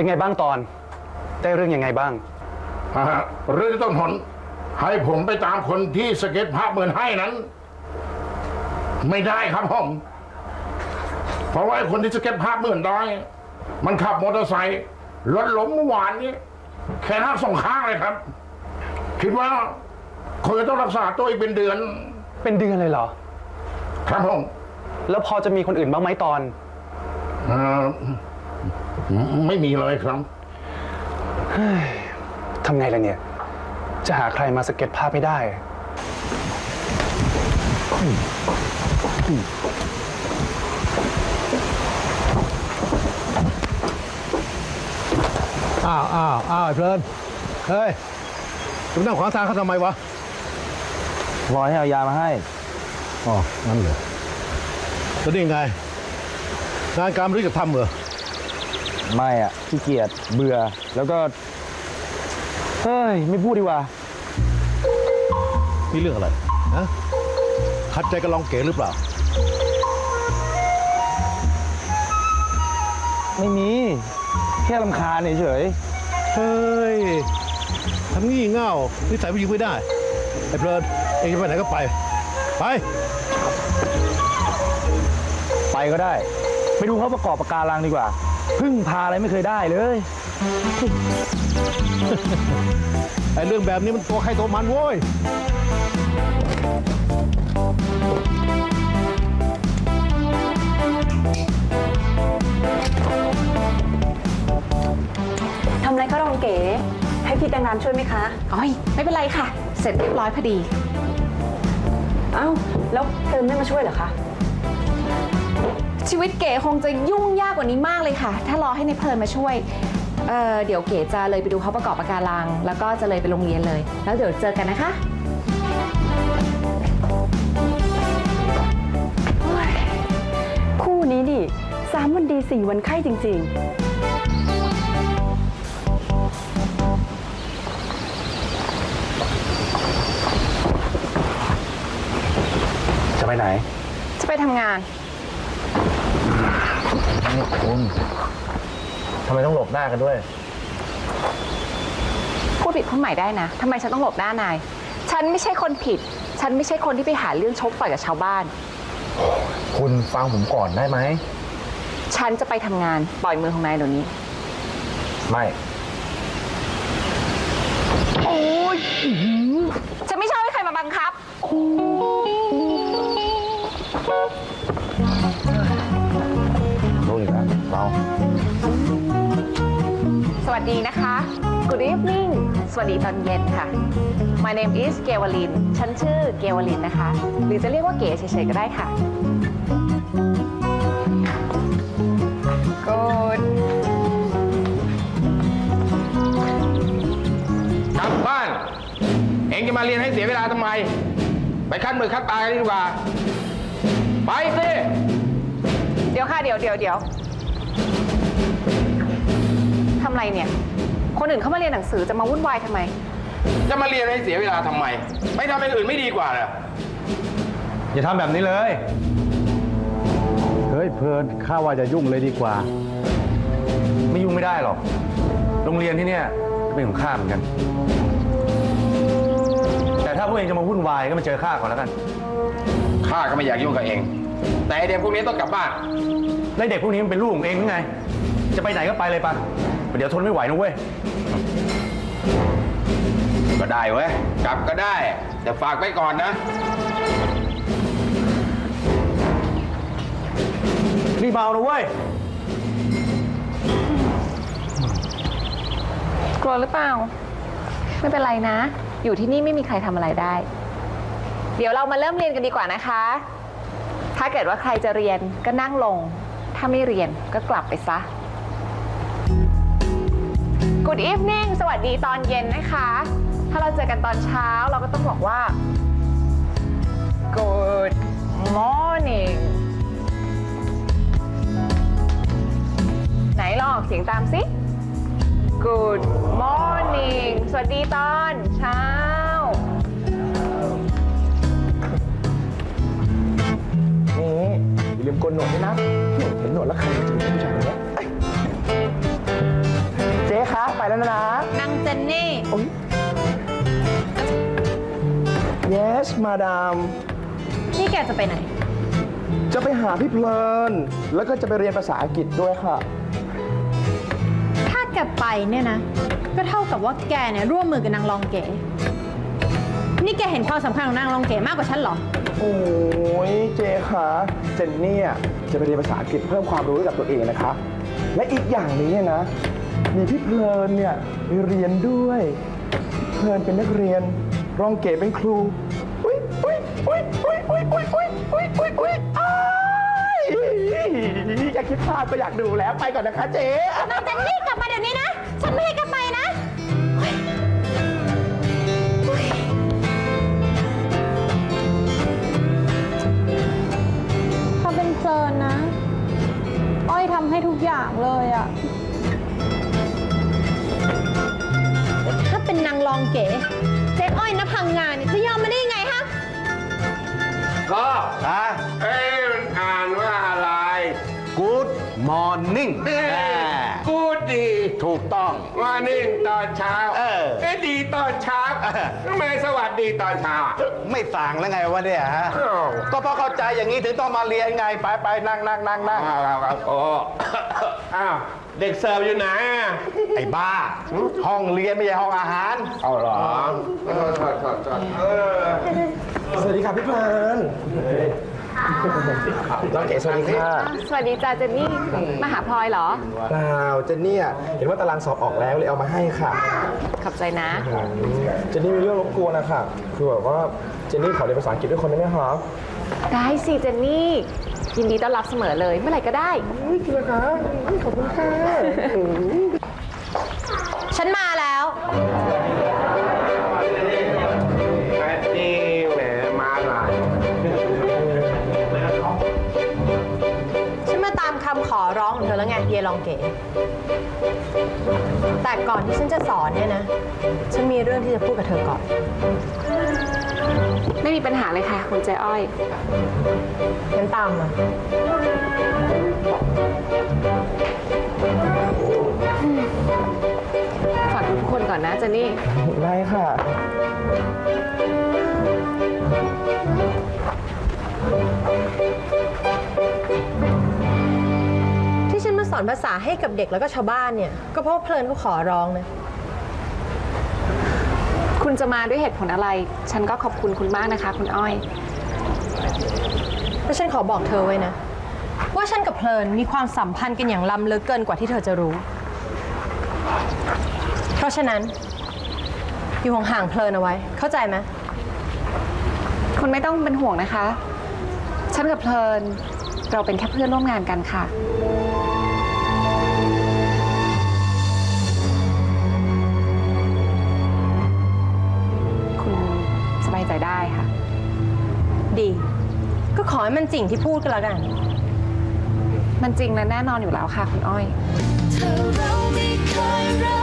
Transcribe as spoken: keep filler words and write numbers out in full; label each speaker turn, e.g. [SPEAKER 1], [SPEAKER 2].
[SPEAKER 1] เป็นไงบ้างตอนได้เรื่องยังไงบ้าง
[SPEAKER 2] เรื่องที่ต้นหนให้ผมไปตามคนที่สเก็ตภาพเหมือนให้นั้น ไม่ได้ครับผมเพราะว่าคนที่สเก็ตภาพเหมือนได้มันขับมอเตอร์ไซค์รถล้มเมื่อวานนี้แขนหักสองข้างเลยครับคิดว่าคงจะต้องรักษาตัวอีกเป็นเดือน
[SPEAKER 1] เป็นเดือนเลยเหรอ
[SPEAKER 2] ครับผม
[SPEAKER 1] แล้วพอจะมีคนอื่นบ้างไหมตอน
[SPEAKER 2] อไม่มีเลยครับ
[SPEAKER 1] ทำไงล่ะเนี่ยจะหาใครมาสเก็ตภาพไม่ได้
[SPEAKER 3] อ้าวอ้าวอ้าวเพลินเฮ้ยจะมานั่งขวางทางเขาทำไมวะ
[SPEAKER 4] รอให้เอายามาให้
[SPEAKER 3] อ๋องั้นเหรอจะได้ยังไงงานการไม่รู้จะทำเหรอ
[SPEAKER 4] ไม่อ่ะขี้เกียจเบื่อแล้วก็เฮ้ยไม่พูดดีกว่า
[SPEAKER 3] มีเรื่องอะไรนะขัดใจกับลองเก๋หรือเปล่า
[SPEAKER 4] ไม่มีแค่รำคาญเฉย
[SPEAKER 3] เฮ้ยทำงี้เง่านิสัยผู้หญิงไม่ได้ไอ้เพลินเองจะไปไหนก็ไปไป
[SPEAKER 4] ไปก็ได้ไปดูเขาประกอบปะการังดีกว่าพึ่งพาอะไรไม่เคยได้เลย
[SPEAKER 3] ไอ้เรื่องแบบนี้มันตัวใครตัวมันโว้ย
[SPEAKER 5] ทำอะไรก็รองเก๋ให้พี่แตงน้ำช่วยไหมคะ
[SPEAKER 6] อ๋อไม่เป็นไรค่ะเสร็จเรียบร้อยพอดี
[SPEAKER 5] เอ้าแล้วเติมไม่มาช่วยเหรอคะ
[SPEAKER 6] ชีวิตเก๋คงจะยุ่งยากกว่านี้มากเลยค่ะถ้ารอให้ในเพลินมาช่วยเอ่อเดี๋ยวเก๋จะเลยไปดูเขาประกอบปะการังแล้วก็จะเลยไปโรงเรียนเลยแล้วเดี๋ยวเจอกันนะคะ
[SPEAKER 5] คู่นี้ดิสามวันดีสี่วันไข้จริงๆ
[SPEAKER 1] จะไปไหน
[SPEAKER 6] จะไปทำงาน
[SPEAKER 4] นี่คุณทำไมต้องหลบหน้ากันด้วย
[SPEAKER 6] พูดผิดพูดใหม่ได้นะทำไมฉันต้องหลบหน้านายฉันไม่ใช่คนผิดฉันไม่ใช่คนที่ไปหาเรื่องชกต่อยกับชาวบ้าน
[SPEAKER 4] คุณฟังผมก่อนได้ไหม
[SPEAKER 6] ฉันจะไปทำงานปล่อยมือของนายเดี๋ยวนี้
[SPEAKER 4] ไม่
[SPEAKER 6] โอ้ยฉันไม่ชอบให้ใครมาบังคับ
[SPEAKER 4] รู้อีกแล้วเรา
[SPEAKER 6] สวัสดีนะคะ Good evening สวัสดีตอนเย็นค่ะ My name is เกวลินฉันชื่อเกวลินนะคะหรือจะเรียกว่าเก๋เฉยๆก็ได้ค่ะ Good
[SPEAKER 2] กลับบ้านเองจะมาเรียนให้เสียเวลาทำไมไปคัดมือคัดตากันดีกว่าไปสิ
[SPEAKER 6] เดี๋ยวค่ะเดี๋ยวเดี๋ยวเดี๋ยวทำไรเนี่ยคนอื่นเขามาเรียนหนังสือจะมาวุ่นวายทำไม
[SPEAKER 2] จะมาเรียนให้เสียเวลาทำไมไม่ทำอย่างอื่นไม่ดีกว่าเหรอ
[SPEAKER 1] อย่าทำแบบนี้เลย
[SPEAKER 3] เฮ้ยเพลินข้าว่าจะยุ่งเลยดีกว่า
[SPEAKER 1] ไม่ยุ่งไม่ได้หรอกโรงเรียนที่เนี่ยเป็นของข้าเหมือนกันแต่ถ้าพวกเองจะมาวุ่นวายก็มาเจอข้าก่อนแล้วกัน
[SPEAKER 2] ข้าก็ไม่อยากยุ่งกับเองแต่เด็กพวกนี้ต้องกลับบ้าน
[SPEAKER 1] แล้วเด็กพวกนี้มันเป็นลูกของเองหรือไงจะไปไหนก็ไปเลยปะเดี๋ยวทนไม่ไหวนะเว้ย
[SPEAKER 2] ก็ได้เว้ยกลับก็ได้แต่ฝากไว้ก่อนนะ
[SPEAKER 1] รีบเอานะเว้ย
[SPEAKER 6] กลัวหรือเปล่าไม่เป็นไรนะอยู่ที่นี่ไม่มีใครทำอะไรได้เดี๋ยวเรามาเริ่มเรียนกันดีกว่านะคะถ้าเกิดว่าใครจะเรียนก็นั่งลงถ้าไม่เรียนก็กลับไปซะ Good evening สวัสดีตอนเย็นนะคะถ้าเราเจอกันตอนเช้าเราก็ต้องบอกว่า Good morning ไหนลองออกเสียงตามสิ Good morning สวัสดีตอนเช้า
[SPEAKER 4] อย่าลืมโกนหนวดด้วยนะเห็นหนวดแล้วใครจะเป็นผู้ชายคนนี้
[SPEAKER 7] ไปแล้วนะ
[SPEAKER 8] นางเจนนี่
[SPEAKER 7] yes มาดาม
[SPEAKER 8] นี่แกจะไปไหน
[SPEAKER 7] จะไปหาพี่เพลิน แล้วก็จะไปเรียนภาษาอังกฤษด้วยค่ะ
[SPEAKER 8] ถ้าแกไปเนี่ยนะ ก็เท่ากับว่าแกเนี่ยร่วมมือกับนางรองเก๋ นี่แกเห็นความสำคัญของนางรองเก๋มากกว่าฉันเหรอ
[SPEAKER 7] โอ้ยเจคะเจนนี่อะจะไปเรียนภาษาอังกฤษเพิ่มความรู้ให้กับตัวเองนะคะ และอีกอย่างหนึงเนี่ยนะ มีพี่เพลินเนี่ยไปเรียนด้วยพี่เพลินเป็นนักเรียน รองเก๋เป็นครู อุ้ยอุ้ยอุ้ยอุ้ยอุ้ยอุ้ยอุ้ยอุ้ยอุ้ยอุ้ยอ้ายอยากคิดภาพก็อยากดูแล้วไปก่อนนะคะเจ๊
[SPEAKER 8] นางเจนนี่กลับมาเดี๋ยวนี้นะ ฉันไม่ให้แกไปนะเฮ้ยเฮ้ยถ้าเป็นเพลินนะ อ้อยทำให้ทุกอย่างเลยอะถ้าเป็นนางรองเก๋เจ๊อ้อยนะพังงานเนี่ยจะยอมมาได้ยังไงฮะ
[SPEAKER 2] ก็
[SPEAKER 1] อ่ะ
[SPEAKER 2] เอ้ยมันอ่านว่าอะไร
[SPEAKER 1] Good morning
[SPEAKER 2] เอ้ยกูดี
[SPEAKER 1] ถูกต้อง
[SPEAKER 2] ว่านิ่งตอนเช้า
[SPEAKER 1] เออ
[SPEAKER 2] เอ้ยดีตอนเช้า
[SPEAKER 1] เออ
[SPEAKER 2] ทำไมสวัสดีตอนเช้าอ่ะ
[SPEAKER 1] ไม่สั่งแล้วไงวะเนี่ยฮะ
[SPEAKER 2] อ้าว
[SPEAKER 1] ก็เพราะเข้าใจอย่างนี้ถึงต้องมาเรียนไง ไปไปนั่งนั่งนั่งนั่ง
[SPEAKER 2] อ้าวอ้าวอ้าวโอ้ อ้าวเด็กเสิร์ฟอยู่ไหนอ่ะ
[SPEAKER 1] ไอ้บ้า ห้องเรียนไม่ใช่ห้องอาหาร
[SPEAKER 2] เอาเหรอโทษโทษโทษโทษเออ
[SPEAKER 7] สวัสดีค่ะพี่เพลินน้องเก๋สวัสดีค่ะ
[SPEAKER 6] สวัสดีจ้าเจนนี่ มาหาพลอยเหรอ
[SPEAKER 7] เปล่าเจนนี่อะเห็นว่าตารางสอบออกแล้วเลยเอามาให้ค่ะ
[SPEAKER 6] ขอบใจนะ
[SPEAKER 7] เจนนี่มีเรื่องรบกวนนะคะคือแบบว่าเจนนี่ขอเรียนภาษาอังกฤษด้วยคนได้ไหมคะ
[SPEAKER 6] ได้สิเจนนี่ ยินดีต้อนรับเสมอเลย เมื่อไหร่ก็ได้
[SPEAKER 7] อุ๊ยจริงเหรอคะอุ๊ยขอบคุณค่ะ
[SPEAKER 8] ฉันมาแล้ว
[SPEAKER 2] นี่แหมมาหลาย
[SPEAKER 8] ฉันมาตามคำขอร้องของเธอแล้วไงเยลองเก๋ แต่ก่อนที่ฉันจะสอนเนี่ยนะ ฉันมีเรื่องที่จะพูดกับเธอก่อน
[SPEAKER 6] ไม่มีปัญหาเลยค่ะ คุณใจอ้อย
[SPEAKER 8] งั้นตามมา
[SPEAKER 6] ฝากทุกคนก่อนนะเจนนี่
[SPEAKER 7] ได้ค่ะ
[SPEAKER 8] ที่ฉันมาสอนภาษาให้กับเด็กแล้วก็ชาวบ้านเนี่ย ก็เพราะว่าเพลินเขาขอร้องนะ
[SPEAKER 6] คุณจะมาด้วยเหตุผลอะไร ฉันก็ขอบคุณคุณมากนะคะ คุณอ้อย
[SPEAKER 8] แล้วฉันขอบอกเธอไว้นะ ว่าฉันกับเพลินมีความสัมพันธ์กันอย่างล้ำลึกเกินกว่าที่เธอจะรู้ เพราะฉะนั้น อยู่ห่างๆเพลินเอาไว้ เข้าใจไหม
[SPEAKER 6] คุณไม่ต้องเป็นห่วงนะคะ ฉันกับเพลิน เราเป็นแค่เพื่อนร่วมงานกันค่ะ คุณสบายใจได้ค่ะ
[SPEAKER 8] ดี ก็ขอให้มันจริงที่พูดกันแล้วกัน
[SPEAKER 6] มันจริงและแน่นอนอยู่แล้วค่ะ คุณอ้อย
[SPEAKER 9] เธอเราไม่เคยรัก